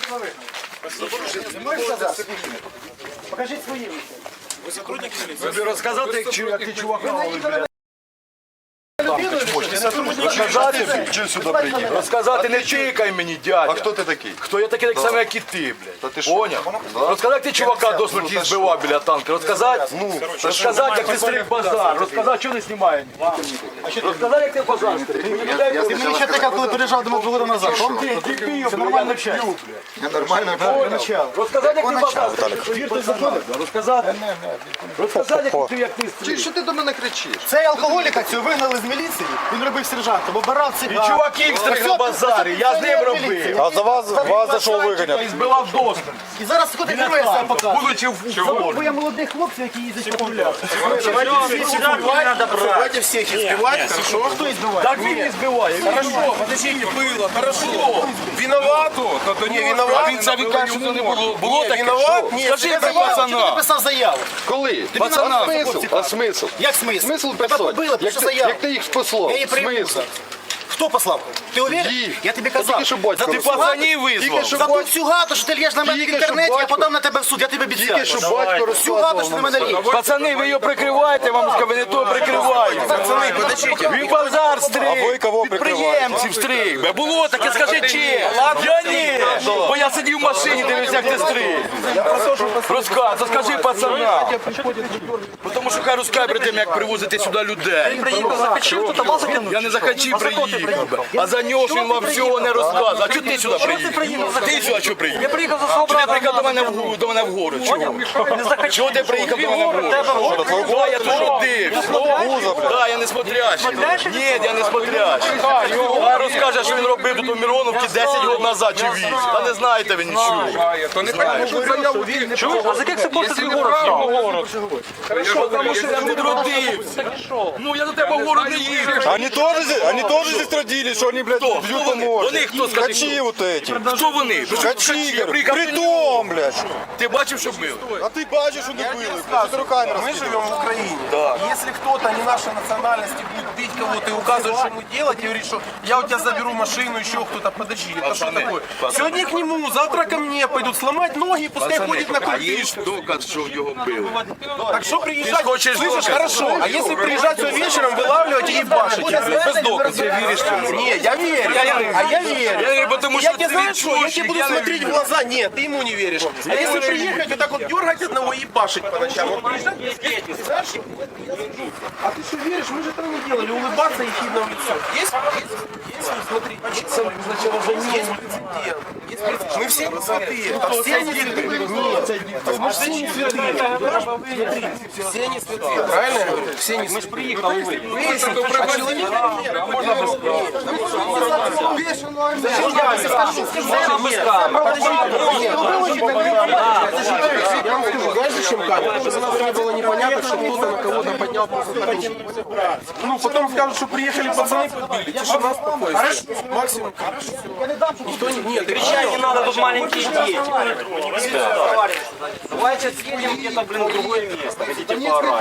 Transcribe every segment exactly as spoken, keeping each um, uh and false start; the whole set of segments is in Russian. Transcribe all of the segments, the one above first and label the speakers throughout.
Speaker 1: Не можеш сказати? Покажіть свої.
Speaker 2: Ви сотрудник міліції?
Speaker 3: Тобі розказати, як ти чувака ловиш, блядь?
Speaker 4: Розказати, чи сюди приїхав?
Speaker 3: Розказати не чикай мені, дядя.
Speaker 4: А хто ти такий?
Speaker 3: Хто я такий, так само, як і ти, блядь.
Speaker 4: Та ти що?
Speaker 3: Поняв? Розказати, як ти чувака до смерті збивав біля танка. Розказати?
Speaker 4: Ну,
Speaker 3: Розказати, як ти стриг базар. Розказати, що не знімає. Розказати, як ти базар стриг.
Speaker 1: Ти мені ще таке, коли переїжджав до Медвода назад. Це нормально вчать.
Speaker 4: я нормально.
Speaker 3: Розказати, як ти базар стриг. Розказати. Розказати, як ти, як ти
Speaker 4: Чи
Speaker 3: стриг.
Speaker 4: що ти до мене кричиш?
Speaker 1: Цей алкоголіка цього вигнали з міліції, він робив сержантом, обирав
Speaker 3: І
Speaker 1: цигар.
Speaker 3: чуваків стриг на базарі, я з ним робив.
Speaker 4: А за вас, вас за що виганять?
Speaker 3: І збивав до смерті.
Speaker 1: І зараз ходить героя себе показує.
Speaker 3: Будучи в
Speaker 1: Бо я молодих хлопців, які їздять по полях.
Speaker 2: Давайте всіх избивать, хорошо?
Speaker 1: Хто збиває?
Speaker 3: Так він і збиває.
Speaker 2: Хорошо, подождите, было, хорошо. Виноват? Не, виноват?
Speaker 3: Він це відкаже, що не було. Було
Speaker 2: Не,
Speaker 3: таке?
Speaker 2: виноват? Нет,
Speaker 3: Скажи
Speaker 2: ты
Speaker 3: про
Speaker 2: виноват.
Speaker 1: Чого ти
Speaker 3: пацана.
Speaker 1: писав заяву?
Speaker 4: Коли?
Speaker 3: Пацана.
Speaker 4: А смисл? А смисл?
Speaker 1: Як смисл?
Speaker 4: Смисл
Speaker 1: Тебе
Speaker 4: писати?
Speaker 1: побили,
Speaker 4: Як
Speaker 1: пише
Speaker 4: ти,
Speaker 1: заяву.
Speaker 4: як ти їх спаслав?
Speaker 1: Я її прийму.
Speaker 4: Смисл?
Speaker 1: Хто послав? Ти уверен?
Speaker 4: Їх.
Speaker 1: Я тобі
Speaker 4: Та
Speaker 1: казав.
Speaker 4: тільки що батько
Speaker 1: За ту
Speaker 4: розказав.
Speaker 3: Пацанів
Speaker 4: Тільки
Speaker 3: визвав.
Speaker 4: що
Speaker 1: За ту
Speaker 4: батько-
Speaker 1: всю гату, що ти лєш на мене в
Speaker 4: Тільки що
Speaker 1: інтернеті, я
Speaker 4: батько-
Speaker 1: подам на тебе в суд, я тобі
Speaker 4: Тільки
Speaker 1: обіцяю.
Speaker 4: що батько
Speaker 1: Всю гату, що ти на мене
Speaker 4: розказував.
Speaker 1: лєш.
Speaker 3: Пацани, ви його прикриваєте, вам скажу, ви не то прикриваєте.
Speaker 2: Пацаны, подождите.
Speaker 3: Він базар стриг.
Speaker 4: А ви кого
Speaker 3: Підприємців стриг. Бе, було таке, скажи чесно. Я ні. Бо я сидів в машині, дивився, як ти стриг. Розказ, скажи пацана. Тому що хай розкаже перед тим, як привозити сюди людей. Я не за хачі приїхав. А за нього ж він вам всього не розказує. А чого ти сюди приїхав? Ти сюди що приїхав?
Speaker 5: Я приїхав за
Speaker 3: Чого ти
Speaker 5: свого
Speaker 3: приїхав до мене в гору? До мене в гору? Чого? Чого ти приїхав до мене в гору? Да, я тут родився. Да, я не смотрящий. Ні, я не смотрящий. А розкаже, що він робив тут у Мироновці десять років назад чи вісім. Та не знаєте ви нічого.
Speaker 5: То не так, що заяву Чуєш? А за яких собор ти город?
Speaker 3: Тому що я тут родився. Ну, я до тебе в гору не їхав.
Speaker 4: Они тоже, здесь- они тоже здесь родились, что они, блядь,
Speaker 3: Кто?
Speaker 4: бьют
Speaker 3: Кто
Speaker 4: по
Speaker 3: вони?
Speaker 4: морде.
Speaker 3: Вони хто, скажи,
Speaker 4: Качи
Speaker 3: хто?
Speaker 4: вот эти.
Speaker 3: Хто вони?
Speaker 4: Качи,
Speaker 3: Я
Speaker 4: говорю.
Speaker 3: приїхав до
Speaker 4: Притом, блядь.
Speaker 3: Ти бачив, що бив?
Speaker 4: А ты бачишь, что не было. Что ты руками
Speaker 2: Мы
Speaker 4: раскидываешь?
Speaker 2: живем в Украине. Если кто-то не нашей национальности будет бить кого-то и указывать, что ему делать, и говорит, что я у тебя заберу машину, еще кто-то, подожди, это что
Speaker 3: Пацаны,
Speaker 2: такое?
Speaker 3: пацаны.
Speaker 2: Сегодня к нему, завтра ко мне пойдут сломать ноги, и пускай ходит на
Speaker 3: А є
Speaker 2: культишку.
Speaker 3: доказ, що його били?
Speaker 2: Так что приезжать,
Speaker 3: Ты хочешь
Speaker 2: слышишь,
Speaker 3: доказ?
Speaker 2: хорошо, а если приезжать все вечером, вылавливать и ебашить, без доказа. Не, я верю, а я верю.
Speaker 3: Я говорю, потому
Speaker 2: Я
Speaker 3: что
Speaker 2: тебе
Speaker 3: ты
Speaker 2: знаю, что я
Speaker 3: ведущий,
Speaker 2: тебе буду
Speaker 3: я не
Speaker 2: смотреть в
Speaker 3: верю.
Speaker 2: глаза. Нет, ты ему не веришь. А если приехать вот так вот дергать одного и ебашить по ночам, вот приезжать без дети, знаешь, а ты что веришь? Мы же этого не делали. Улыбаться и хидно в лицо. Есть? Есть? Есть? Смотри. Сначала за ним. Есть прецедент. Есть прецедент. Мы все не святые. А все не святые. Нет. Мы все не святые. Все не святые. Правильно я говорю? Все не святые. Мы же приехали. Выяснить, а человека нет. Можно я вам скажу, знаешь, зачем камера? Чтобы сразу не было непонятно, что кто-то на кого-то поднял просто так. Ну, потом скажут, что приехали пацаны подбили. Тишина, спокойствие. Максимум. Никто не... Нет,
Speaker 5: Кричать не надо, тут маленькие дети. Давайте съедем где-то, блин, в другое место. Хотите поорать?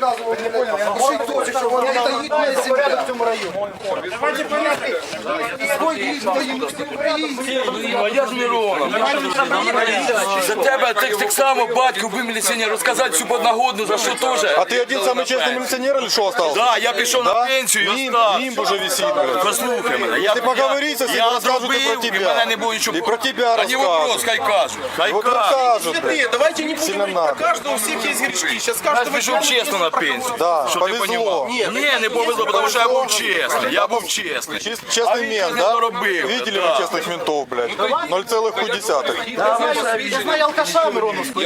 Speaker 3: А я з Мироном. За тебе так, так само батько вбив міліціонер, розказати всю подногодну, за що теж.
Speaker 4: А ты один самый честный милиционер или что остался?
Speaker 3: Да, я пішов на
Speaker 4: Да?
Speaker 3: пенсію і
Speaker 4: Нимб,
Speaker 3: остав.
Speaker 4: нимб уже висит, блядь.
Speaker 3: Послухай мене, я,
Speaker 4: Ти поговори со всіма,
Speaker 3: я
Speaker 4: розкажуть і
Speaker 3: зробив,
Speaker 4: про
Speaker 3: і
Speaker 4: тебе.
Speaker 3: мене не було нічого.
Speaker 4: І про тебе
Speaker 3: Та не вопрос,
Speaker 4: розкажуть.
Speaker 3: хай кажуть. Хай
Speaker 4: Вот
Speaker 3: кажуть.
Speaker 4: расскажут, блядь.
Speaker 2: святые. Давайте не будем
Speaker 4: Сильно
Speaker 2: говорить про
Speaker 4: надо.
Speaker 2: каждого, у всех есть грешки. Сейчас
Speaker 3: Я
Speaker 2: каждого
Speaker 3: пішов чесно на пенсію.
Speaker 4: Да,
Speaker 3: Щоб ти
Speaker 4: повезло.
Speaker 3: понімав. Ні, не повезло, тому що я був чесний. Я був чесний.
Speaker 4: Чист-
Speaker 3: А
Speaker 4: Честный
Speaker 3: він
Speaker 4: мент,
Speaker 3: не
Speaker 4: да?
Speaker 3: доробив.
Speaker 4: Видели
Speaker 3: Да.
Speaker 4: вы честных ментов, блядь? ноль целых пять десятых.
Speaker 1: Я знаю алкаша Мироновського.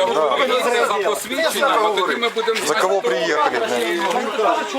Speaker 4: За кого приехали, блядь?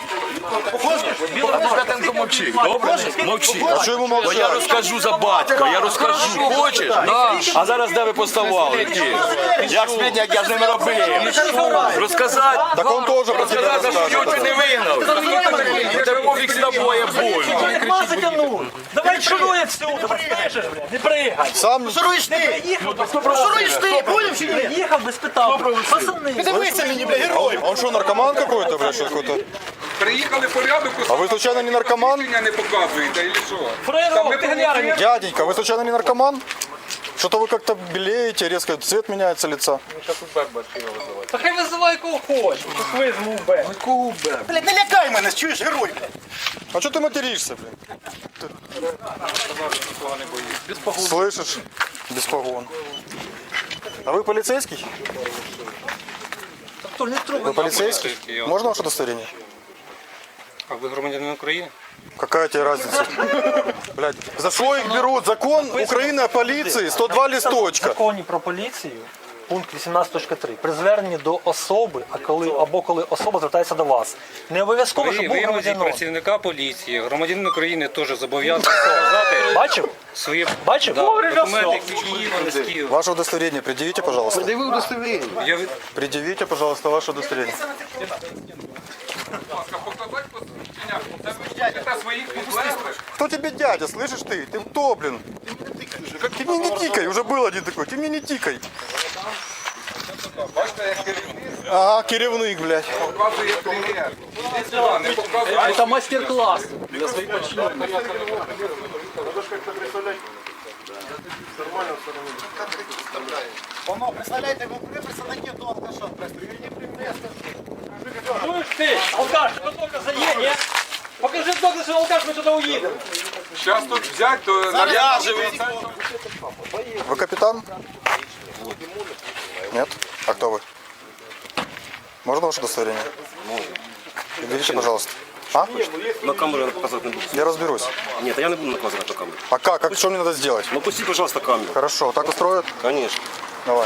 Speaker 3: Святенко мовчи, добре? Мовчи.
Speaker 4: А что ему
Speaker 3: Бо я
Speaker 4: молчать?
Speaker 3: розкажу за батька, я розкажу. Хочеш? А зараз де ви поставали? Які? Як спідня, як я з ними робив? Розказати?
Speaker 4: Так он тоже про тебя
Speaker 3: Розказати, що
Speaker 4: расскажет.
Speaker 3: його не вигнав. Тебе пофіг з тобою, больно.
Speaker 5: Нема затягнув. Давай шуруй отсюда, слышишь, блядь. Не прыгай.
Speaker 4: Сам
Speaker 1: Шуруєш ти?
Speaker 5: Їхав би
Speaker 1: Шуруєш ти? Поняв чи ні?
Speaker 5: Їхав би, спитав. Пацани.
Speaker 1: Дивися мені, бля, герой.
Speaker 4: Он что, наркоман какой-то, блядь, что какой-то?
Speaker 6: Приїхали порядок,
Speaker 4: А вы случайно не наркоман?
Speaker 6: не показуєте, или що?
Speaker 5: Фрейров, ти глянь.
Speaker 4: Дяденька, вы случайно не наркоман? Что-то вы как-то белеете, резко цвет меняется лица.
Speaker 5: Та хай визивай кого хоче, тут визьму Б.
Speaker 1: Блядь, не лякай мене, чуєш, герой, блядь.
Speaker 4: А что ты материшься, блин? Ты- Слышишь? Без погон. А вы полицейский? Вы полицейский? Можно ваше удостоверение?
Speaker 7: А ви громадянин України?
Speaker 4: Какая тебе разница? Блядь, за что их берут? Закон Украины о полиции, сто два
Speaker 5: В
Speaker 4: листочка.
Speaker 5: законі про поліцію, пункт вісімнадцять точка три, при зверненні до особи, а коли, або коли особа звертається до вас. Не обов'язково,
Speaker 7: Ви
Speaker 5: щоб був
Speaker 7: вимозі
Speaker 5: громадянин.
Speaker 7: працівника поліції, громадянин України теж зобов'язаний показати
Speaker 5: Бачив?
Speaker 7: свої
Speaker 5: Bачив?
Speaker 7: да,
Speaker 5: Говори,
Speaker 7: документи
Speaker 5: все.
Speaker 7: Києва, не з Києва.
Speaker 4: Ваше удостоверение предъявите, пожалуйста.
Speaker 7: Я від-
Speaker 4: Предъявите, пожалуйста, ваше удостоверение.
Speaker 6: Показати посвідчення. Це ви та своїх підлеглих.
Speaker 4: Кто тебе дядя, слышишь ты? Ты кто, блин? Ты мне не тикай, уже был один такой, ты мне не тикай.
Speaker 6: Бачите, як керівник
Speaker 4: Ага, керевник, блядь.
Speaker 6: показує примір. Іди сюди, не показує.
Speaker 5: Це мастер-клас для своїх подчинених.
Speaker 1: Воно, представляєте, ви представники до алкаша, просто, він не примнести.
Speaker 5: Чуєш ти, алкаш, ти докази є, ні? Покажи докази, що алкаш, ми туди уїдемо.
Speaker 6: Зараз тут взять, то нав'яжемо.
Speaker 4: Вы капитан? Нет? А кто вы? Можно ваше удостоверение? Берите, пожалуйста. А?
Speaker 8: На камеру я показывать не буду.
Speaker 4: Я разберусь.
Speaker 8: Нет, я не буду наказывать на камеру.
Speaker 4: А как? Как? Что мне надо сделать?
Speaker 8: Ну пусти, пожалуйста, камеру.
Speaker 4: Хорошо, так устроят?
Speaker 8: Конечно.
Speaker 4: Давай.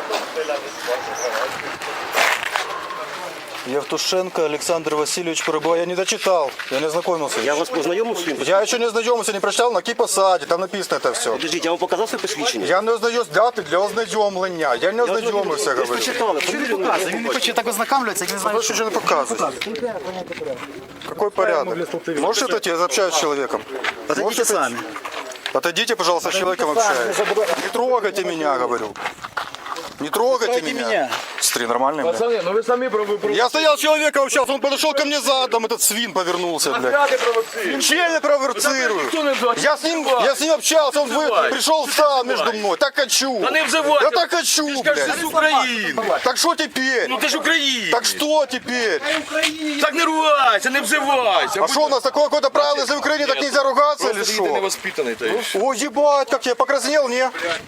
Speaker 4: Евтушенко Александр Васильевич Порыбова. Я не дочитал, я не ознакомился.
Speaker 8: Я вас познайомив з ним?
Speaker 4: Я еще не ознакомился, не прочитал, на какій посаді, там написано это все.
Speaker 8: Подождіть, я вам показав своє посвідчення?
Speaker 4: Я не ознаюсь дати для ознайомлення. Я не ознайомився,
Speaker 8: Ви ж
Speaker 4: говорю.
Speaker 8: почитали, фамілію не
Speaker 1: Він не хоче так ознакомлюватися, як не знає,
Speaker 4: Больше ничего не показывай. Какой порядок? Можешь отойти? Я общаюсь с человеком. Можете сами. Отойдите, пожалуйста, с человеком общаюсь. Не трогайте меня, говорю. Не трогайте меня. Смотри, нормальный, блядь.
Speaker 3: Пацани, ну ви самі провокуєте.
Speaker 4: Я стоял с человеком общался, он подошел ко мне задом, этот свин повернулся, блядь. Чем я провоцирую? Я с ним, я с ним общался, он вы- пришел встал между мной. Так хочу.
Speaker 3: Та не взивай.
Speaker 4: Я так хочу,
Speaker 3: Ти ж кажеш,
Speaker 4: блядь.
Speaker 3: ти з України.
Speaker 4: Так что теперь?
Speaker 3: Ну ти ж Україна.
Speaker 4: Так что теперь?
Speaker 3: Так не ругайся, не взивайся.
Speaker 4: А что у нас такое какое-то правило, если в Украине так нельзя ругаться или
Speaker 3: Ти
Speaker 4: что?
Speaker 3: невоспитаний, та й.
Speaker 4: Ой, ебать, как я покраснел, не?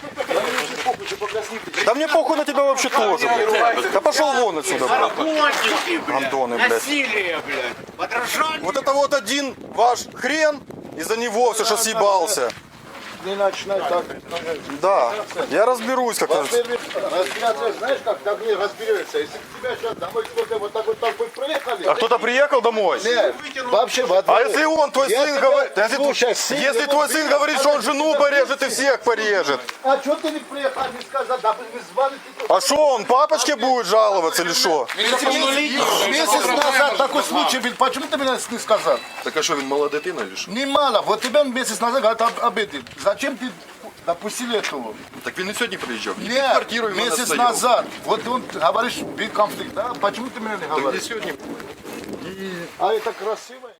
Speaker 4: Да мне похуй на тебя вообще тоже, блядь. Да пошел вон отсюда, блядь. Антоны, блядь.
Speaker 1: насилие, блядь, подражание.
Speaker 4: Вот это вот один ваш хрен, из-за него все, что съебался.
Speaker 1: Не начинай так.
Speaker 4: Да, я разберусь как-то.
Speaker 1: Разбираться, знаешь как, так не разберешься. Если тебя сейчас домой кто-то вот так вот так вот проехали.
Speaker 4: А кто-то приехал домой?
Speaker 1: Нет, вообще в одно.
Speaker 4: А если он, твой
Speaker 1: Я
Speaker 4: сын,
Speaker 1: тебя-
Speaker 4: говорит, если,
Speaker 1: Слушай,
Speaker 4: тв-
Speaker 1: сын
Speaker 4: если
Speaker 1: его
Speaker 4: твой сын
Speaker 1: приехал,
Speaker 4: говорит, что он жену порежет и всех порежет,
Speaker 1: А что ты не приехал, не сказал, да вы звали ты.
Speaker 4: а что он, папочке будет жаловаться или что?
Speaker 1: Месяц назад такой случай был, почему ты мне не сказал?
Speaker 2: Так а що, він мала дитина чи що?
Speaker 1: Немало, вот тебя месяц назад говорят об, об этом. Зачем ты допустили этого?
Speaker 2: Так він і сьогодні приїжджав. Він під
Speaker 1: Нет,
Speaker 2: квартирою в мене
Speaker 1: месяц
Speaker 2: стояв.
Speaker 1: назад. Вот он, говоришь, был конфликт, да? Почему ты мне не
Speaker 2: Так він і
Speaker 1: говоришь?
Speaker 2: сьогодні.
Speaker 1: А это красиво.